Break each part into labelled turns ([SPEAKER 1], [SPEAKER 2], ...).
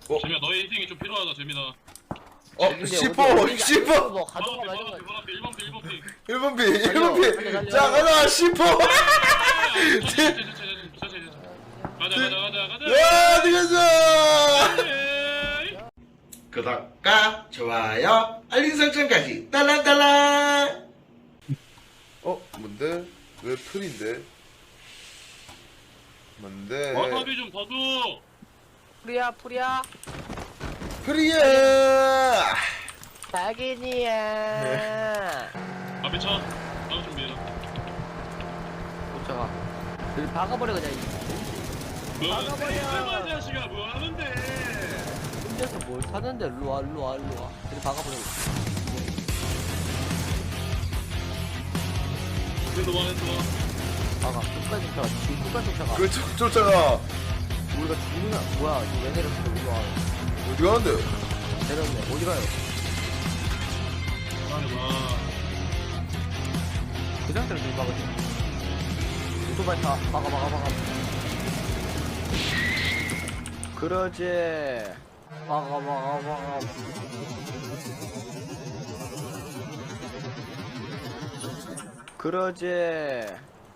[SPEAKER 1] 재민아 너의 희생이 좀 필요하다 재민아.
[SPEAKER 2] 씹어
[SPEAKER 3] 뭐 가져가
[SPEAKER 1] 번
[SPEAKER 3] 말던가.
[SPEAKER 1] 앞에 1번 피 1번 피
[SPEAKER 2] 1번 비
[SPEAKER 3] 달려,
[SPEAKER 2] 1번 비
[SPEAKER 3] 달려.
[SPEAKER 2] 자 가자 씹어
[SPEAKER 1] 가자
[SPEAKER 2] 야 들어가자
[SPEAKER 1] 에이.
[SPEAKER 2] 구독과 좋아요 알림 설정까지 딸랑딸랑 뭔데? 왜 풀인데? 뭔데?
[SPEAKER 1] 와사비 좀 더 줘.
[SPEAKER 3] 풀이야.
[SPEAKER 2] 프리야
[SPEAKER 3] 자기니야.
[SPEAKER 1] 앞에 차 나올 준비해라.
[SPEAKER 3] 쫓아가. 여기 박아버려 그냥.
[SPEAKER 1] 뭐야 자식아 뭐 하는데.
[SPEAKER 3] 혼자서 뭘 사는데 일로 와. 여기 박아버려.
[SPEAKER 1] 그래도 와했어.
[SPEAKER 3] 박아. 끝까지 쫓아가. 지금 끝까지 쫓아가.
[SPEAKER 2] 그 쫓아가
[SPEAKER 3] 우리가 죽는다. 뭐야? 이거 왜 내렸어? 이거 와.
[SPEAKER 2] 어디 가는데?
[SPEAKER 3] 내렸네. 어디 가요?
[SPEAKER 1] 와.
[SPEAKER 3] 그 상태로 좀 박아줘. 오토바이 다 박아. 그러지. 박아. 그러지.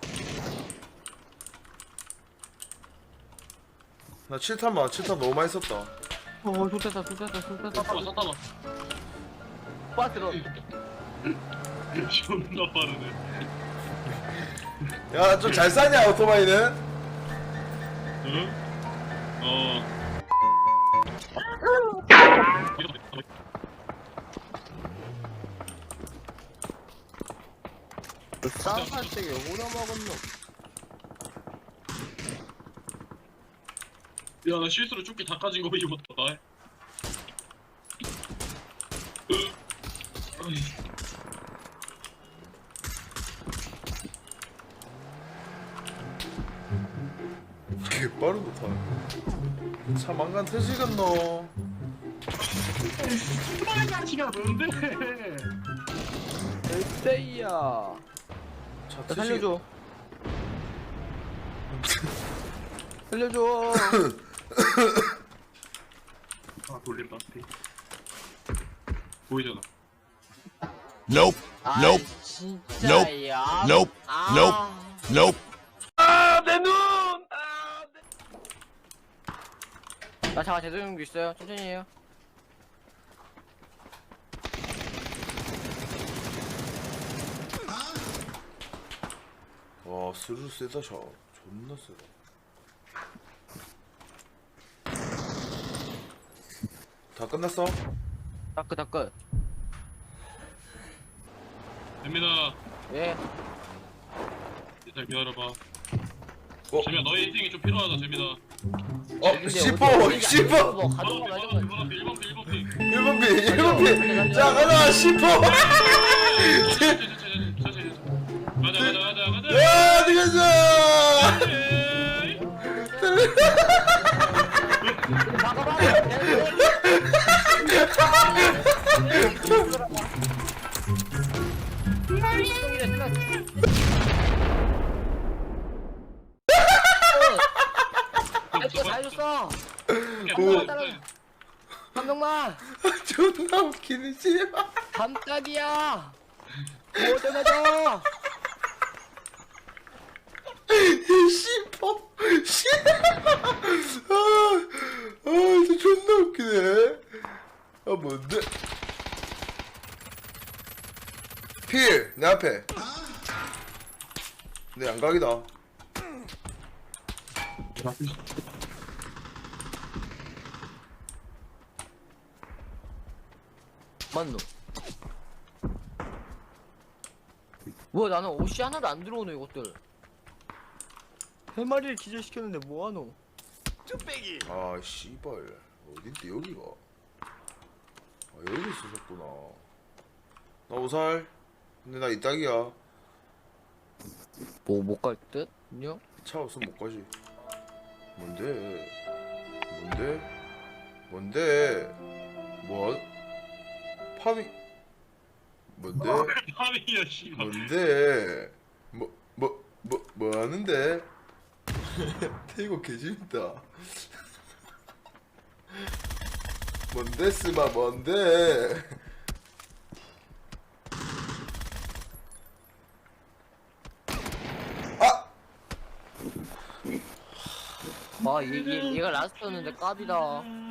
[SPEAKER 2] 나 7탄 너무 많이 썼다
[SPEAKER 3] 좋겠다.
[SPEAKER 1] 샀다봐.
[SPEAKER 3] 빠뜨려.
[SPEAKER 1] 존나 빠르네.
[SPEAKER 2] 야 좀 잘 싸냐 오토바이는?
[SPEAKER 1] 응?
[SPEAKER 3] 쌍팔색에 오나 먹었노?
[SPEAKER 1] 야, 나 실수로 조끼 다 까진 거 입었다.
[SPEAKER 2] 개빠른 거타 차 망간 터지겠노
[SPEAKER 1] 자식아 뭔데?
[SPEAKER 3] 에이야.
[SPEAKER 2] 차
[SPEAKER 3] 나 살려줘. 살려줘.
[SPEAKER 1] 아, 돌린다. 보이잖아.
[SPEAKER 4] Nope. Nope.
[SPEAKER 3] 진짜야.
[SPEAKER 4] Nope. Nope. Nope.
[SPEAKER 3] 나 잠깐 제동용기 있어요. 천천히 해요.
[SPEAKER 2] 와 스루 세다 샷 존나 세다 다 끝났어?
[SPEAKER 3] 다크.
[SPEAKER 1] 재민아,
[SPEAKER 3] 예.
[SPEAKER 1] 일단 기다려봐. 재민아, 너의 희생이 좀 필요하다, 재민아.
[SPEAKER 2] 씹어
[SPEAKER 3] 뭐 가져가 말던가.
[SPEAKER 1] 1번 피 1번 피
[SPEAKER 2] 1번 비 1번 비자 가자 씹어
[SPEAKER 1] 가자.
[SPEAKER 2] 야 들어가자
[SPEAKER 1] 에이.
[SPEAKER 3] 다 해줬어. 한 명만.
[SPEAKER 2] 존나 웃기네 씨발
[SPEAKER 3] 감딱이야. 뭐 때문에
[SPEAKER 2] 씹어 진짜 존나 웃기네 뭔데 필 내 앞에 내 양각이다
[SPEAKER 3] 맞노? 뭐야 나는 옷이 하나도 안 들어오네 이것들. 세 마리를 기절시켰는데 뭐하노?
[SPEAKER 2] 아 씨발 어딘데 여기가 여기 있었구나 나 오살 근데 나 이따기야
[SPEAKER 3] 뭐 못 갈 듯? 안녕?
[SPEAKER 2] 차 없으면 못 가지 뭔데 뭐 파밍 뭔데
[SPEAKER 1] 파밍이야, 씨발.
[SPEAKER 2] 뭔데 뭐 하는데 태이거 개재밌다 뭔데 스마 뭔데? 아!
[SPEAKER 3] 얘가 라스트였는데 깝이다.